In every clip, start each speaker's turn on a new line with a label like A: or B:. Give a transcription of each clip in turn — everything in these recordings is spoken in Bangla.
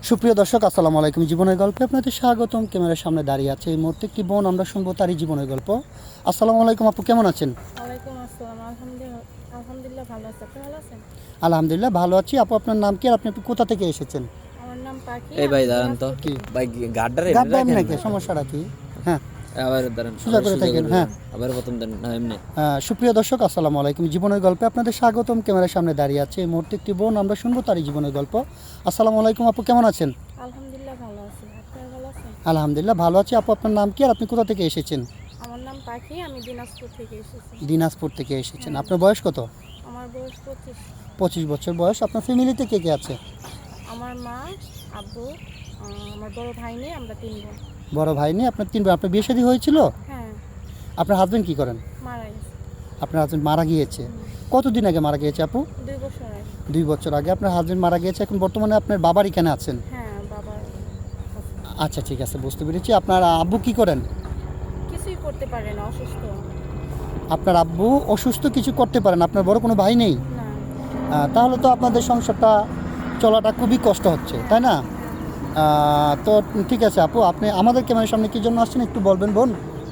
A: সুপ্রিয় দর্শক, আসসালামু আলাইকুম। জীবনের গল্পে আপনাদের স্বাগতম। ক্যামেরার সামনে দাঁড়িয়ে আছে এই মুহূর্তে একটি বোন, আমরা শুনবো তারই জীবনের গল্প। আসসালামু আলাইকুম আপু, কেমন আছেন?
B: ওয়ালাইকুম আসসালাম। আলহামদুলিল্লাহ ভালো আছি। আপনি ভালো আছেন?
A: আলহামদুলিল্লাহ ভালো আছি। আপু, আপনার নাম কি আর আপনি কোথা থেকে এসেছেন?
B: আমার নাম পাখি।
C: এই ভাই
B: আমি
C: দাঁড়ান তো,
B: দিনাজপুর
A: কি
B: থেকে।
C: ভাই গাড্ডারে
A: গাড্ডা এমনি
C: রাখেন
A: নাকি?
C: না।
A: সমস্যাটা কি? হ্যাঁ,
C: আবার দাঁড়ান,
A: সোজা করে থাকেন। হ্যাঁ,
C: আবার প্রথম দেন না এমনি।
A: সুপ্রিয় দর্শক, আসসালামু আলাইকুম। জীবনের গল্পে আপনাদের স্বাগতম। ক্যামেরার সামনে দাঁড়িয়ে আছে এই মুহূর্তে একটি বোন, আমরা শুনবো তারই জীবনের গল্প। আসসালামু আলাইকুম আপু, কেমন আছেন?
B: আলহামদুলিল্লাহ ভালো আছি। আপনি ভালো আছেন?
A: আলহামদুলিল্লাহ ভালো আছি। আপু, আপনার নাম কি আর আপনি কোথা থেকে এসেছেন?
B: আমার নাম পাখি। আমি দিনাজপুর থেকে এসেছি।
A: দিনাজপুর থেকে এসেছেন। আপনার বয়স কত?
B: আমার বয়স 25।
A: 25 বছর বয়স। আপনার ফ্যামিলিতে কে কে আছে?
B: আমার মা, আব্বু, আমার বড় ভাই নেই, আমরা 3 বোন।
A: বড় ভাই নেই, আপনার 3 বোন। আপনার বিয়ে শাদী হয়েছিল?
B: হ্যাঁ,
A: আপনার হাজবেন্ড কি করেন?
B: মারা গেছে।
A: আপনার হাজবেন্ড মারা গিয়েছে? কতদিন আগে মারা গিয়েছে আপু?
B: 2 বছর আগে।
A: 2 বছর আগে আপনার হাজবেন্ড মারা গিয়েছে। এখন বর্তমানে আপনার বাবার এখানে আছেন?
B: হ্যাঁ, বাবার কাছে।
A: আচ্ছা, ঠিক আছে, বুঝতে পেরেছি। আপনার আব্বু কি করেন?
B: কিছুই করতে পারে না, অসুস্থ।
A: আপনার আব্বু অসুস্থ, কিছু করতে পারেন। আপনার বড় কোনো ভাই নেই?
B: না।
A: তাহলে তো আপনাদের সংসারটা চলাটা খুবই কষ্ট হচ্ছে, তাই না? তো ঠিক আছে আপু, আপনি আমাদের ক্যামেরার সামনে কী জন্য আসছেন একটু বলবেন বোন?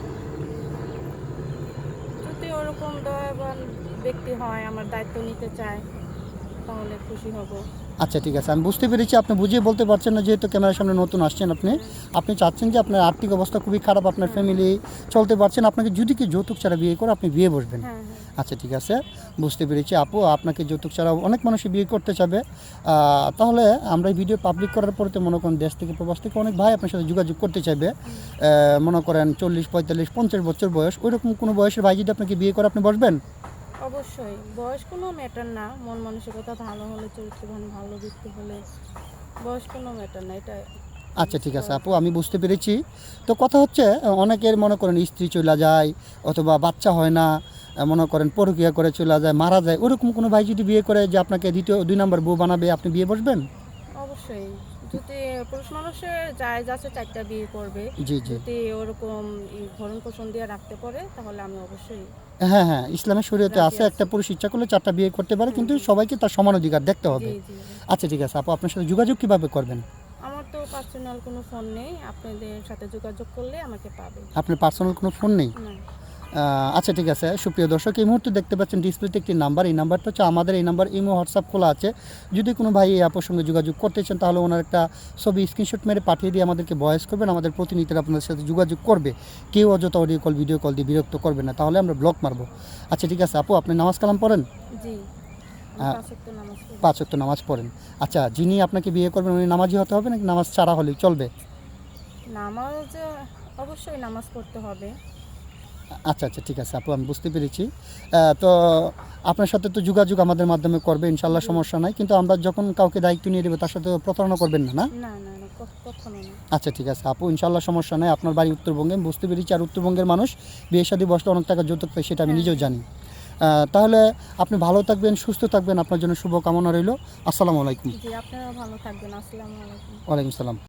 B: যদি ওরকম দয়াবান ব্যক্তি হয়, আমার দায়িত্ব নিতে চায়, তাহলে খুশি হব।
A: আচ্ছা, ঠিক আছে, আমি বুঝতে পেরেছি। আপনি বুঝিয়ে বলতে পারছেন না, যেহেতু ক্যামেরার সামনে নতুন আসছেন। আপনি চাচ্ছেন যে আপনার আর্থিক অবস্থা খুবই খারাপ, আপনার ফ্যামিলি চলতে পারছেন, আপনাকে যদি কি যৌতুক ছাড়া বিয়ে করে আপনি বিয়ে বসবেন।
B: হ্যাঁ, হ্যাঁ।
A: আচ্ছা, ঠিক আছে, বুঝতে পেরেছি আপু। আপনাকে যৌতুক ছাড়া অনেক মানুষই বিয়ে করতে চাবে। তাহলে আমরা এই ভিডিও পাবলিক করার পরে তো মনে করেন দেশ থেকে প্রবাস থেকে অনেক ভাই আপনার সাথে যোগাযোগ করতে চাইবে। মনে করেন 40, 45, 50 বছর বয়স, ওইরকম কোনো বয়সের ভাই যদি আপনাকে বিয়ে করে, আপনি বসবেন?
B: অবশ্যই বয়স কোনো ম্যাটার না, মন মানসিকতা ভালো হলে, চরিত্রবান ভালো ব্যক্তি হলে বয়স কোনো ম্যাটার না, এটা।
A: আচ্ছা, ঠিক আছে আপু, আমি বুঝতে পেরেছি। তো কথা হচ্ছে, অনেকের মনে করেন স্ত্রী চলে যায় অথবা বাচ্চা হয় না, মনে করেন পরকীয়া করে চলে যায়, মারা যায়, ওরকম কোনো ভাই যদি বিয়ে করে যে আপনাকে দ্বিতীয় 2 নম্বর বউ বানাবে, আপনি বিয়ে বসবেন?
B: অবশ্যই, যদি পুরুষ মানুষের জায়েজ আছে 4টা বিয়ে করবে,
A: জি, জি।
B: যদি ওরকম ভরণ পোষণ দিয়ে রাখতে পারে, তাহলে আমি অবশ্যই
A: হ্যাঁ, হ্যাঁ, ইসলামের শরীয়তে
B: রাজি
A: আছে,
B: আছি।
A: একটা পুরুষ ইচ্ছা করলে 4টা বিয়ে করতে পারে, কিন্তু সবাইকে তার সমান অধিকার দেখতে হবে।
B: জি, জি।
A: আচ্ছা, ঠিক আছে আপু, আপনার সাথে যোগাযোগ কীভাবে করবেন?
B: আমার তো পার্সোনাল কোনো ফোন নেই, আপনাদের সাথে যোগাযোগ করলে আমাকে পাবে।
A: আপনার পার্সোনাল কোনো ফোন নেই?
B: না।
A: আচ্ছা, ঠিক আছে। সুপ্রিয় দর্শক, এই মুহূর্তে দেখতে পাচ্ছেন ডিসপ্লেতে একটি নাম্বার। এই নাম্বারটা হচ্ছে আমাদের, এই নাম্বার ইমো হোয়াটসঅ্যাপ খোলা আছে। যদি কোনো ভাই এই আপুর সঙ্গে যোগাযোগ করতে চান, তাহলে ওনার একটা ছবি স্ক্রিনশট মেরে পাঠিয়ে দিয়ে আমাদেরকে ভয়েস করবেন। আমাদের প্রতিনিধিরা আপনাদের সাথে যোগাযোগ করবে। কেউ অযথা অডিও কল, ভিডিও কল দিয়ে বিরক্ত করবে না, তাহলে আমরা ব্লক মারবো। আচ্ছা, ঠিক আছে আপু, আপনি নামাজ কালাম পড়েন?
B: জি,
A: হ্যাঁ।
B: 5 ওয়াক্ত নামাজ পড়ি।
A: 5 ওয়াক্ত নামাজ পড়েন। আচ্ছা, যিনি আপনাকে বিয়ে করবেন উনি নামাজি হতে হবে নাকি নামাজ ছাড়া হলেই চলবে?
B: নামাজ অবশ্যই নামাজ পড়তে হবে।
A: আচ্ছা, আচ্ছা, ঠিক আছে আপু, আমি বুঝতে পেরেছি। তো আপনার সাথে তো যোগাযোগ আমাদের মাধ্যমে করবে ইনশাল্লাহ, সমস্যা নাই। কিন্তু আমরা যখন কাউকে দায়িত্ব নিয়ে দেবো, তার সাথে প্রতারণা করবেন না, না?
B: না, না, না, কখনো না।
A: আচ্ছা, ঠিক আছে আপু, ইনশাল্লাহ সমস্যা নাই। আপনার বাড়ি উত্তরবঙ্গে, আমি বুঝতে পেরেছি। আর উত্তরবঙ্গের মানুষ বিয়ে শাদী বসলে অনেক টাকা যৌতুক পায়, সেটা আমি নিজেও জানি। তাহলে আপনি ভালো থাকবেন, সুস্থ থাকবেন, আপনার জন্য শুভকামনা রইল। আসসালামু আলাইকুম।
B: জি, আপনারা ভালো থাকবেন। আসসালামু আলাইকুম।
A: ওয়ালাইকুম সালাম।